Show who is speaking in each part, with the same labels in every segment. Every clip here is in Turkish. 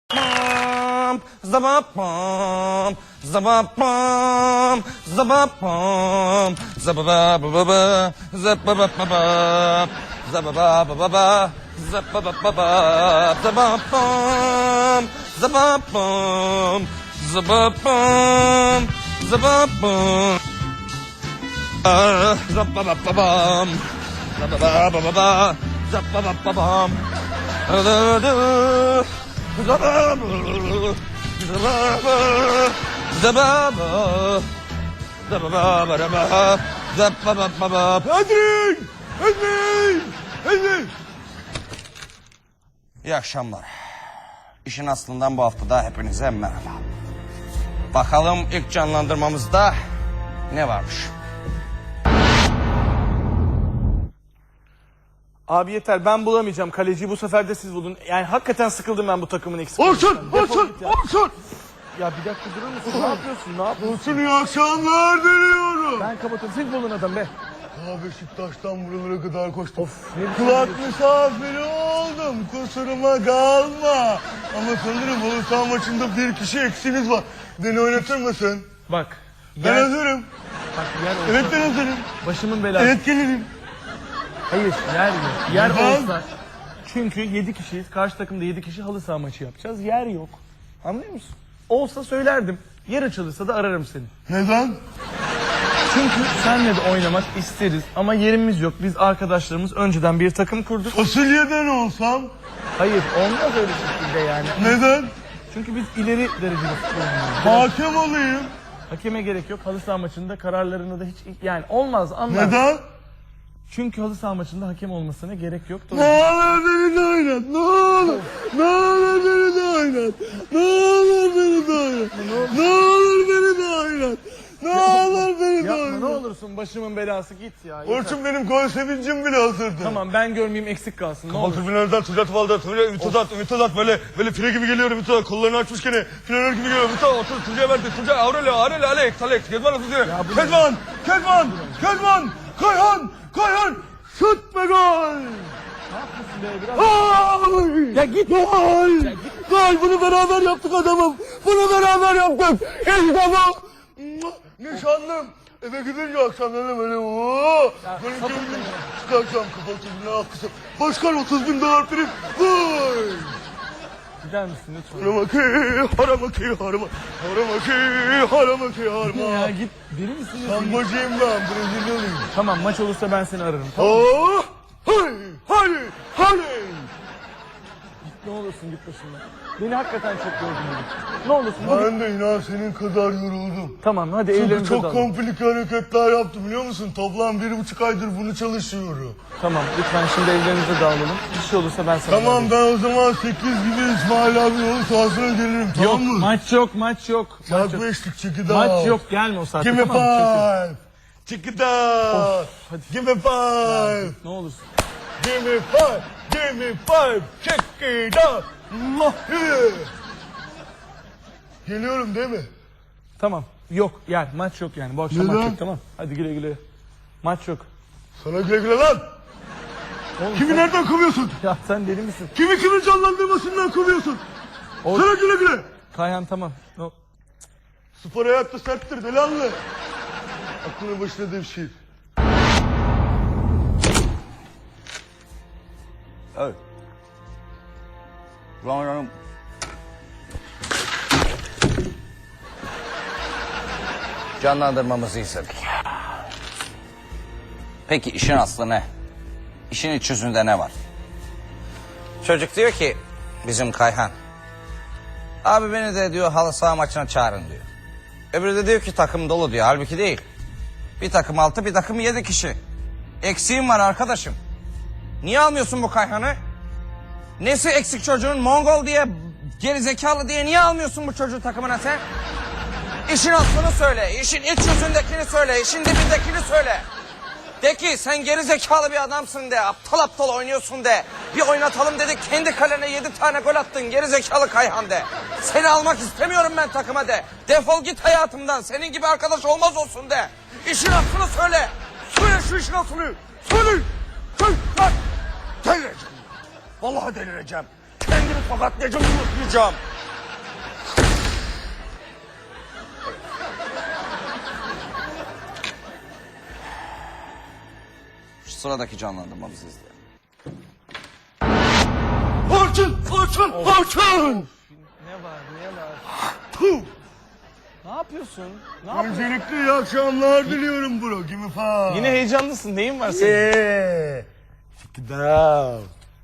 Speaker 1: Zabapam, zabapam, zabapam, zabababa, zabababa, zabababa, zabababa, zabapam, zabapam, zabapam, zabapam, zabababam, zabababa, zabababam, İyi akşamlar. İşin aslından bu haftada hepinize merhaba. Bakalım ilk canlandırmamızda ne varmış?
Speaker 2: Abi yeter, ben bulamayacağım kaleciyi, bu sefer de siz bulun. Yani hakikaten sıkıldım ben bu takımın eksik.
Speaker 3: Orçun!
Speaker 2: Ya bir dakika durur musun? Ne yapıyorsun? Ne yapıyorsun?
Speaker 3: Orçun iyi akşamlar diliyorum.
Speaker 2: Ben kapatıyorum. Siz bulun adam be.
Speaker 3: Ya Beşiktaş'tan buralara kadar koştum.
Speaker 2: Of, ne biçim
Speaker 3: Kulak
Speaker 2: diyorsun?
Speaker 3: misafiri oldum. Kusuruma kalma. Ama sanırım halı saha maçında bir kişi eksiğiniz var. Beni oynatır mısın?
Speaker 2: Bak.
Speaker 3: Ben hazırım.
Speaker 2: Bak yer olsa.
Speaker 3: Evet ben hazırım.
Speaker 2: Başımın belası.
Speaker 3: Evet gelirim.
Speaker 2: Hayır yer yok. Yer
Speaker 3: Neden?
Speaker 2: olsa. Çünkü 7 kişiyiz. Karşı takımda 7 kişi halı saha maçı yapacağız. Yer yok. Anlıyor musun? Olsa söylerdim. Yer açılırsa da ararım seni.
Speaker 3: Neden?
Speaker 2: Çünkü senle de oynamak isteriz ama yerimiz yok. Biz arkadaşlarımız önceden bir takım kurduk.
Speaker 3: Fasulyeden olsam?
Speaker 2: Hayır, olmaz öyle şekilde yani.
Speaker 3: Neden?
Speaker 2: Çünkü biz ileri derecede futbol oynuyoruz.
Speaker 3: Hakem olayım.
Speaker 2: Hakeme gerek yok. Halı saha maçında kararlarını da hiç yani olmaz, anlar.
Speaker 3: Neden?
Speaker 2: Çünkü halı saha maçında hakem olmasına gerek yok.
Speaker 3: Ne olur beni de oynat. Ne olur. Ne olur beni de oynat. Ne olur beni de oynat. Ne olur beni de oynat. Ne olur beni de
Speaker 2: Yapma ne
Speaker 3: oynat.
Speaker 2: olursun, başımın belası, git ya. yeter.
Speaker 3: Orçun benim gol sevincim bile hazırdı.
Speaker 2: Tamam, ben görmeyeyim, eksik kalsın, ne olur.
Speaker 3: Tribünlerden Tucat Valda, Ümit böyle file gibi geliyor Ümit Özat, kollarını açmış gene, fileler gibi geliyor Ümit Özat, otur Tuca'ya verdi, Tuca, Aurelio, Alex, Kezban atıyor, Kezban, Kayhan, şut ve gol!
Speaker 2: Ne yapıyorsun be biraz?
Speaker 3: Gol!
Speaker 2: Ya git.
Speaker 3: Gol! Gol! Bunu beraber yaptık adamım, bunu beraber yaptık, işte bu! Nişanlım! Eve gidince akşamları böyle ooo! Böyle geldim, çıkaracağım kapalı tribüne alkışım. Başkan 30.000 dolar prim, vay!
Speaker 2: Gider misin lütfen?
Speaker 3: Haramaki.
Speaker 2: Ya git, deli misin?
Speaker 3: Sambacıyım ben, Brezilyalıyım.
Speaker 2: Tamam, maç olursa ben seni ararım, tamam.
Speaker 3: Oh! Hadi!
Speaker 2: Ne olursun git başımdan. Beni hakikaten çok gördün bugün. Ne olursun bugün.
Speaker 3: Ben de inan senin kadar yoruldum.
Speaker 2: Tamam, hadi
Speaker 3: Çünkü
Speaker 2: evlerimize
Speaker 3: çok
Speaker 2: dalalım.
Speaker 3: komplike hareketler yaptım biliyor musun? Toplam 1,5 aydır bunu çalışıyorum.
Speaker 2: Tamam, lütfen şimdi evlerimize dağılalım. Bir şey olursa ben sana
Speaker 3: Tamam
Speaker 2: ararım.
Speaker 3: ben o zaman 8 gibi İsmail abi yolu sahasına gelirim
Speaker 2: Yok,
Speaker 3: tamam mı?
Speaker 2: maç yok. Maç yok.
Speaker 3: Beşlik check it out.
Speaker 2: Maç yok, gelme o saatte.
Speaker 3: Give me
Speaker 2: tamam mı?
Speaker 3: five. Check it out.
Speaker 2: hadi.
Speaker 3: Give me five.
Speaker 2: Ne olursun.
Speaker 3: Give me five. Give me five. Check it out. Yeah. Geliyorum değil mi?
Speaker 2: Tamam, yok yani maç yok yani. Bu akşam
Speaker 3: Neden?
Speaker 2: maç yok, tamam. Hadi güle güle. Maç yok.
Speaker 3: Sana güle güle lan.
Speaker 2: Oğlum,
Speaker 3: Kimi
Speaker 2: sen-
Speaker 3: nereden kovuyorsun?
Speaker 2: Ya sen deli misin?
Speaker 3: Kimin canlandırmasından kovuyorsun?
Speaker 2: O-
Speaker 3: Sana güle güle.
Speaker 2: Kayhan tamam. No.
Speaker 3: Spor hayatta serttir delanlı. Aklını başına devşir.
Speaker 1: Evet. Canım. Canlandırmamızı izledik. Peki işin aslı ne? İşin iç yüzünde ne var? Çocuk diyor ki bizim Kayhan. Abi beni de diyor halı saha maçına çağırın diyor. Öbürü de diyor ki takım dolu diyor. Halbuki değil. Bir takım 6 bir takım 7 kişi. Eksiğim var arkadaşım. Niye almıyorsun bu Kayhan'ı? Nesi eksik çocuğun? Mongol diye, gerizekalı diye niye almıyorsun bu çocuğu takımına sen? İşin aslını söyle, işin iç yüzündekini söyle, işin dibindekini söyle. De ki sen gerizekalı bir adamsın de, aptal aptal oynuyorsun de. Bir oynatalım dedik, kendi kalene 7 tane gol attın gerizekalı Kayhan de. Seni almak istemiyorum ben takıma de. Defol git hayatımdan, senin gibi arkadaş olmaz olsun de. İşin aslını söyle. Söyle şu işin aslını. Söyle. Söyle lan. Delireceğim. Vallahi delireceğim. Kendimi tokatlayacağım, unutmayacağım. sıradaki canlandırmamızı izleyelim.
Speaker 3: Orçun!
Speaker 2: Ne var?
Speaker 3: Puh!
Speaker 2: Ne yapıyorsun? Ne yapıyorsun?
Speaker 3: Öncelikle iyi akşamlar diliyorum bro. Give me five.
Speaker 2: Yine heyecanlısın. Neyin var senin?
Speaker 3: Yeah. Check it out.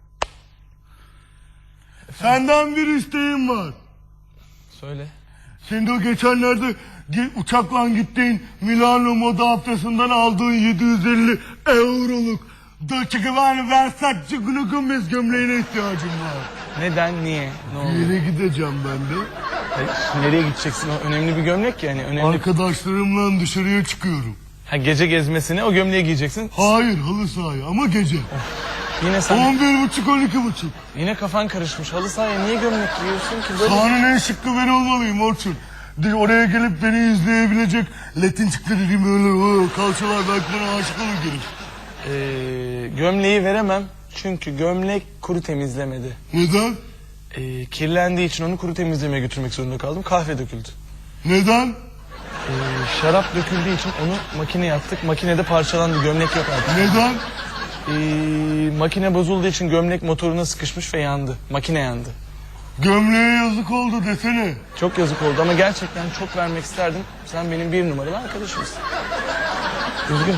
Speaker 3: Senden bir isteğim var.
Speaker 2: Söyle.
Speaker 3: Sen de o geçenlerde uçakla gittiğin Milano Moda haftasından aldığın 750 euroluk Dolce Gabbana Versace Gunu Gomez gömleğine ihtiyacım var.
Speaker 2: Neden? Niye? Ne oldu?
Speaker 3: Yere gideceğim ben de.
Speaker 2: Nereye gideceksin? O önemli bir gömlek yani. Önemli.
Speaker 3: Arkadaşlarımla dışarıya çıkıyorum.
Speaker 2: Ha, gece gezmesine o gömleği giyeceksin.
Speaker 3: Hayır halı sahaya ama gece.
Speaker 2: Yine sen
Speaker 3: 11.30-12.30.
Speaker 2: yine kafan karışmış. Halı sahaya niye gömlek giyiyorsun ki? Böyle
Speaker 3: Sahanın en şıkkı ben olmalıyım Orçun. Oraya gelip beni izleyebilecek Latin çıkları böyle kalçalar belki bana aşık olur gelir.
Speaker 2: Gömleği veremem. Çünkü gömlek kuru temizlemedi.
Speaker 3: Neden?
Speaker 2: Kirlendiği için onu kuru temizlemeye götürmek zorunda kaldım. Kahve döküldü.
Speaker 3: Neden?
Speaker 2: Şarap döküldüğü için onu makineye attık. Makinede parçalandı. Gömlek yok artık.
Speaker 3: Neden?
Speaker 2: Makine bozulduğu için gömlek motoruna sıkışmış ve yandı. Makine yandı.
Speaker 3: Gömleğe yazık oldu desene.
Speaker 2: Çok yazık oldu ama gerçekten çok vermek isterdim. Sen benim bir numaralı arkadaşımsın. Üzgünüm.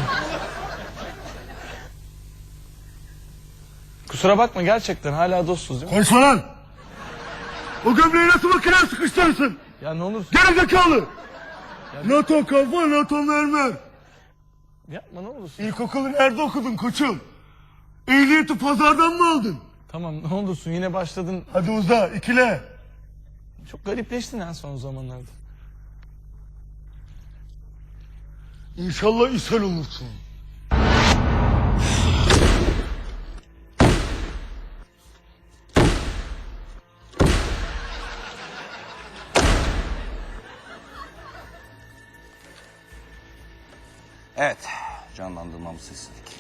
Speaker 2: Kusura bakma gerçekten hala dostuz değil mi?
Speaker 3: Konuşma lan! O gömleği nasıl makineye sıkıştırırsın?
Speaker 2: Ya ne olursun
Speaker 3: Gerizekalı! NATO kafa, NATO mermer.
Speaker 2: yapma ne olursun.
Speaker 3: İlkokulu nerede okudun koçum? Ehliyeti pazardan mı aldın?
Speaker 2: Tamam ne olursun yine başladın.
Speaker 3: Hadi uza, ikile.
Speaker 2: Çok garipleştin en son zamanlarda.
Speaker 3: İnşallah ishal olursun.
Speaker 1: Evet, canlandırmamızı istedik.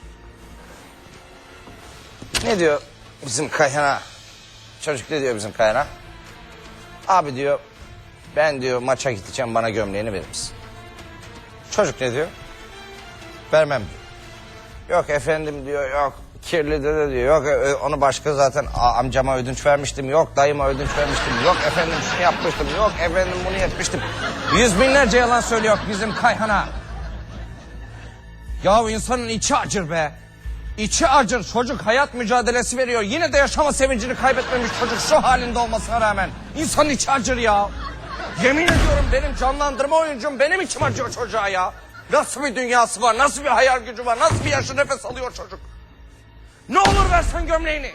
Speaker 1: Ne diyor bizim Kayhan'a? Çocuk ne diyor bizim Kayhan'a? Abi diyor, ben diyor maça gideceğim, bana gömleğini verir misin? Çocuk ne diyor? Vermem diyor. Yok efendim diyor, yok kirli dede diyor, yok onu başka zaten amcama ödünç vermiştim, yok dayıma ödünç vermiştim, yok efendim şunu yapmıştım, yok efendim bunu yapmıştım. Yüz binlerce yalan söylüyor bizim Kayhan'a. Ya insanın içi acır be. İçi acır. Çocuk hayat mücadelesi veriyor. Yine de yaşama sevincini kaybetmemiş çocuk şu halinde olmasına rağmen. İnsanın içi acır ya. Yemin ediyorum benim canlandırma oyuncum benim içim acıyor çocuğa ya. Nasıl bir dünyası var, nasıl bir hayal gücü var, nasıl bir yaşı nefes alıyor çocuk. Ne olur versen gömleğini.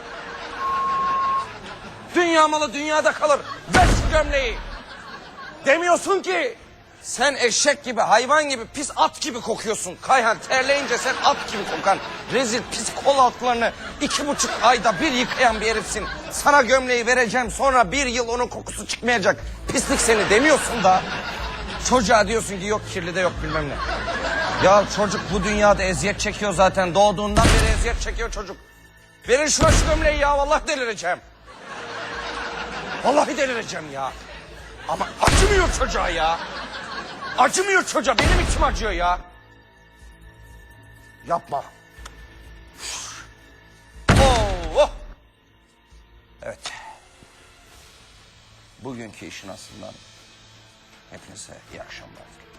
Speaker 1: Dünya malı dünyada kalır. Ver şu gömleği. Demiyorsun ki. Sen eşek gibi, hayvan gibi, pis at gibi kokuyorsun. Kayhan terleyince sen at gibi kokan, rezil pis kol altlarını 2,5 ayda bir yıkayan bir herifsin. Sana gömleği vereceğim, sonra 1 yıl onun kokusu çıkmayacak. Pislik seni demiyorsun da. Çocuğa diyorsun ki yok kirli de yok bilmem ne. Ya çocuk bu dünyada eziyet çekiyor zaten. Doğduğundan beri eziyet çekiyor çocuk. Verin şuna şu gömleği ya, vallahi delireceğim. Vallahi delireceğim ya. Ama acımıyor çocuğa ya. Acımıyor çocuğa, benim içim acıyor ya. Yapma. Oh. Evet. Bugünkü işin aslından hepinize iyi akşamlar.